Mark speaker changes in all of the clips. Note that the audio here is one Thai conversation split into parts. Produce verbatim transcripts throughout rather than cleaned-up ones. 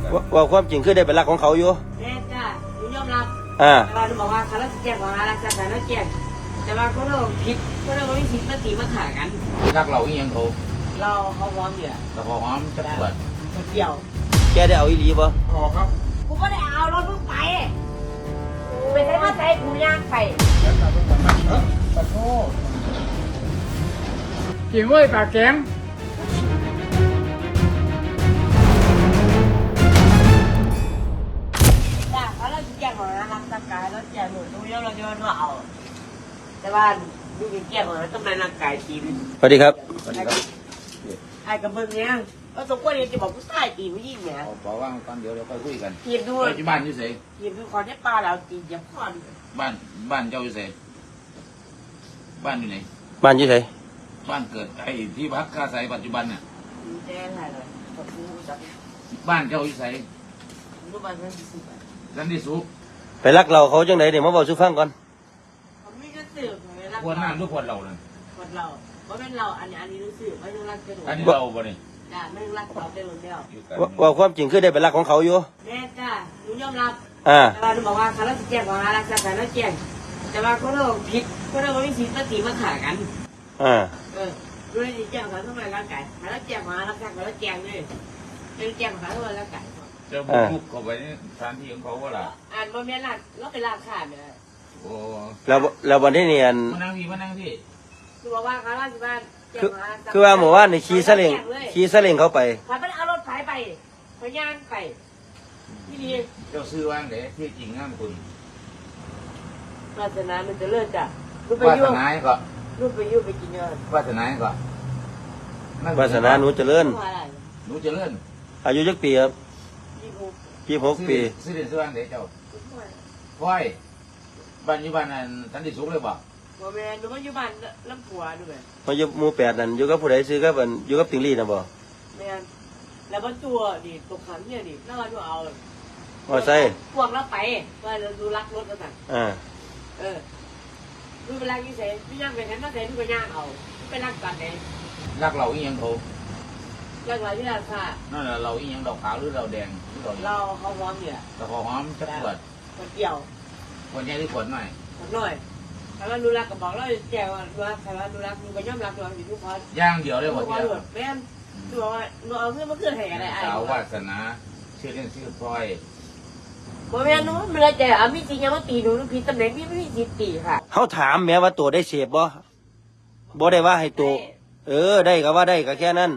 Speaker 1: ว่าความจริงคือได้เป็นรักของเขาอยู่
Speaker 2: แม่จ้าหนูยอมรับ
Speaker 1: อ่า
Speaker 2: แต่ว่าหนูบอกว่าเขาเลิกแจ้งของอะไรสักแต่แล้วแจ้งแต่ว่าเขาเลิกผิดเขาเลิกไม่ผิดมาตีมาขากัน
Speaker 3: รักเราอีหยังเขา
Speaker 2: เราเขาพร้อมอยู่
Speaker 3: แต่พอหอมจะปวด
Speaker 2: เกี่ยว
Speaker 1: แกได้เอาอีหลีบ่
Speaker 3: พอครับ
Speaker 2: กูก็ได้เอารถมึงไปไปใช้มาใช้กูย่างไป
Speaker 3: ขอโทษกินเว้ยปากแข็ง
Speaker 2: จ้าเขาเลิกแจ้งของอะไรสักแต่แล้วแจ้งหนูหนูยอมรับว่าเอาแต่ว่าดูเป็นแจ้งของต้องในร่างกายทีม
Speaker 1: สวัสดีครับ
Speaker 3: สวัสดีครับ
Speaker 2: ไอ้กับเบิ้งเนี้ยเราสมควรจะบอกผู้ชายตีผู้หญิงเนี่ย
Speaker 3: บอกว่าตอนเดี๋ยวเราค่อยคุยกัน
Speaker 2: ทีมดู
Speaker 3: ที่บ้านอยู่ไหน
Speaker 2: ทีมดูคอนเทปลาเราตีจะพ่อน
Speaker 3: บ้านบ้านเจ้าอยู่ไหนบ้านอยู่ไหน
Speaker 1: บ้านอยู่ไหน
Speaker 3: บ้านเกิดไอ้ที่พักอาศัยปัจจุบันเนี่ย
Speaker 2: แจ้งอะไรเลย
Speaker 3: บ้านเจ้าอยู่ไหน
Speaker 2: รูปบ้านนั้นสุด
Speaker 3: นั่นที่สุก
Speaker 1: ไปรักเราเขาจังไหนเดี๋ยวมาบอกชูฟังก่อน
Speaker 2: เขาไม่ก็สืบเลยรัก
Speaker 3: ควรน้ำทุกคนเราเลย
Speaker 2: คนเราเพราะเป็นเราอันนี้อันนี้รู้สึกไม่ต้องรักกระดูก
Speaker 3: อันนี้เราบ่เนี่ย
Speaker 2: จ้าไม่ต้องรักเขาเป็นคนเดียว
Speaker 1: ว่าความจริงคือได้เป็นรักของเขาอยู่
Speaker 2: แม่จ้าหนูยอมรับ
Speaker 1: อ่า
Speaker 2: แต่ว่าหนูบอกว่าเขาเลิกแจ้งของอะไรสักแต่แล้วแจ้งแต่ว่าเขาเลิกผิดเขาเลิกไม่ผิดมาตีมาขากัน
Speaker 1: อ่า
Speaker 2: เออดูในแจ้งเขาทำไมร่างกายเขาแล้วแจ้งของอะไรสักแต่แล้วแจ้งเลยเป็นแจ้งของเขาทำไมร่างกาย
Speaker 3: เจ้าบุกเข้าไปในสถานที่ของเขาว่าล่ะ
Speaker 2: อ่านบนแม่ลาดแล้วไปลาดขาดเนี่ย
Speaker 3: โอ้
Speaker 1: แล้วแล้ววันที่เนียน
Speaker 3: มานั่งพี่มานั่งพี่
Speaker 2: คือบอกว่าเขาลาดที่บ้าน
Speaker 1: คือคือว่าหมู่บ้านในขี่ซาเล้งขี่ซาเล้งเขาไป
Speaker 2: พาไปเอารถไฟไปพยานไปที่นี่
Speaker 3: เจ้าซื้อว่างเด้ที่จริงงามคุณ
Speaker 2: วาสนามันจะเลิศจ้ะรูปไป
Speaker 3: ยุ่งวาสนาก็
Speaker 2: รูปไปยุ่งไปกินเงิน
Speaker 3: วาสนาก็
Speaker 1: วาสนาหนูเจริญ
Speaker 3: หนูเจริญ
Speaker 1: อายุจักปีครับยี่สิบหกปี
Speaker 3: ซื้อเดือนซื้อว่างเด้เจ้าพ่อยบ้านอยู่บ้านนั้นสันติสุขเลยบ่
Speaker 2: บ่แม่นหนูมาอยู่บ้านลำผัวด้วย
Speaker 1: มาอยู่หมู่แปดนั่นอยู่กับผู้ใดซื้อกับอันอยู่กับติงลี่น่ะบ่
Speaker 2: แม่นแล้วบ่ตัวดิตกขันเนี่ยดิน่าจะเอา
Speaker 1: มอไซค์
Speaker 2: พวกเราไปว่าเราดูรักรถแล้วสั่น
Speaker 1: อ่า
Speaker 2: เออดูเวลาอยู่ไสพี่ย่างไปนั้นมาไสดูก็ย่างเอาไปรักกันเด้
Speaker 3: รักเราอีหยังเขา
Speaker 2: รักเราที่ราคา
Speaker 3: นั่นแหละเราอีหยังเราขาวหรือเราแดงหรือเรา
Speaker 2: เราเขาพร้อมเนี่ย
Speaker 3: เราพอหอมจะปวด
Speaker 2: ปวดเกี่ยว
Speaker 3: ปวดใหญ่หรือปวดหน่อย
Speaker 2: ปวดหน่อยถ้าว่าดูรักก็บอกเราแจ้งว่าดูรักถ้าว่าดูรักดูก็ย่อมรักดูอยู่ทุกคน
Speaker 3: ย่างเดียวเลยหมดเดียว
Speaker 2: แม่นดูว่าดูเอาเพื่อนมาเกิดเหตุอะไร
Speaker 3: สาววาสนาชื่อเล่นชื่อพลอย
Speaker 2: บ่แม่นหนูมันเลยแต่อามีจริงยังมาตีหนูหนูผิดตำแหน่งพี่ไม่มีสิทธิ์ตีค่ะ
Speaker 1: เขาถามแม้ว่าตัวได้เสพบ่บ่ได้ว่าให้ตัวเออได้ก็ว่าได้ก็แค่นั้น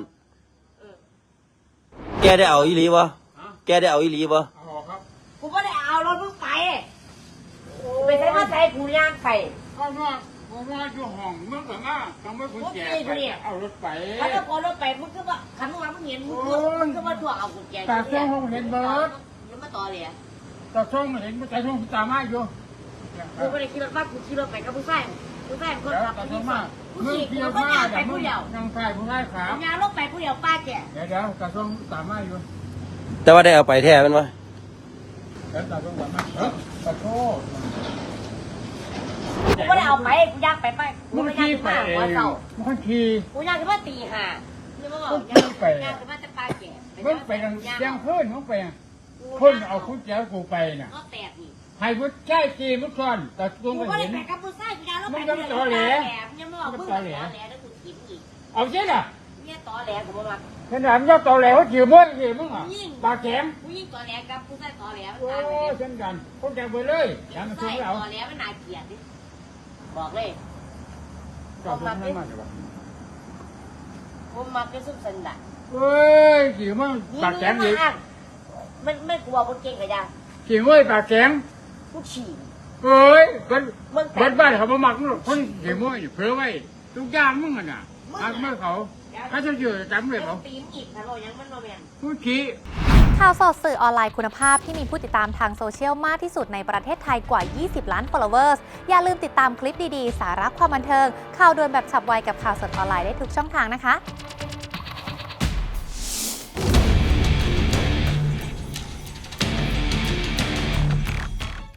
Speaker 1: แกได้เอาอีหลีบ่แกได้เอาอีหลีบ่
Speaker 2: กูก็ได้เอารถมึงไปไปใช้มาใช้กูย่างไป
Speaker 3: ข้างนอกข้างนอกอยู่ห้องมึงกับหน้าทำไมคุณแก่ไปเอารถไป
Speaker 2: ถ้าจะเอารถไปมึงก็ว่าขันว่ามึงเห็นมึงมึงก็มาตัวเอากูแก่
Speaker 3: ตาช่องห้องเห็นเบิร์ด
Speaker 2: แล้วมาต่อเลย
Speaker 3: ตาช่องเห็นไม่ตาช่องตาไม้อยู่
Speaker 2: กูไม่ได้คิดว่ากูขี่รถไปกับผู้ชายผู้ชายคนขับ
Speaker 3: ตาช่องมาก
Speaker 2: มึงขี่กูก็ย่างไปผู้เดียว
Speaker 3: ยังใส่ผู้ชายขา
Speaker 2: ย่างรถไปผู้เดียวป้าแก่
Speaker 3: เดี๋ยวเดี๋ยวตาช่องตาไม้อยู่
Speaker 1: แต่ว่าได้เอาไปแท้มันวะ
Speaker 3: แล้วตาช่องว่ามาเออตาโทษ
Speaker 2: กูไม่ได้เอาไปกูย่างไปไปกูไม่ย่างไปหัวเสา
Speaker 3: มึงขี่
Speaker 2: กูย่างขึ้นมาตีห่าเนี่ยมึงบอกย่างไปย่างขึ้นมาจะปลาแก่
Speaker 3: มึงไปยังยังเพิ่นมึงไปเพิ่นเอาคุณแจ๋วกูไปน่ะ
Speaker 2: ก็แตกนี่
Speaker 3: ให้มึงใช้จีมึงก่อนแต่กู
Speaker 2: ไม่เห็นมึงก็ได้ไปกับผู้ชายกูย่างแล้วไปกับต่อแหลเนี่ยมึงบอกมึงต่อแหลแล้วกูกินอีก
Speaker 3: เอาใช่น่ะ
Speaker 2: เนี่ยต่อแหลกูมา
Speaker 3: ขนาดมึงต่อแหลเขาจีมึงจีมึงอ่ะปากแข็ง
Speaker 2: กูยิ่งต่อแหลกับผู้ชายต่อแหลมัน
Speaker 3: โอ้
Speaker 2: ตายไป
Speaker 3: เช่นกันคนแก่ไปเลยอย่ามาช่วยเรา
Speaker 2: ต่อแหลมันน่าเกลียดดิบอกเลย
Speaker 3: ผมมักเลย
Speaker 2: ผมมักจะสุดสันดา
Speaker 3: เฮ้ยจีมึงปากแข็งอีก
Speaker 2: ไม่ไม่กลัวคนเก่งกับยา
Speaker 3: จีเว้ยปากแข็ง
Speaker 2: กูฉี่
Speaker 3: เฮ้ยคนบ้านบ้านเขามาหมักคนจีมึงเผื่อไว้ทุกอย่างมึงอ่ะน่ะหากเมื่อเขาถ้าจะเจอจำเลยเขา
Speaker 2: ตีมอีกถ้าเรายังมันโนแมน
Speaker 3: ผู้ชี้
Speaker 4: ข่าวสดสื่อออนไลน์คุณภาพที่มีผู้ติดตามทางโซเชียลมากที่สุดในประเทศไทยกว่า ยี่สิบ ล้าน followers อย่าลืมติดตามคลิปดีๆ สาระความบันเทิงข่าวด่วนแบบฉับไวกับข่าวสดออนไลน์ได้ทุกช่องทางนะคะ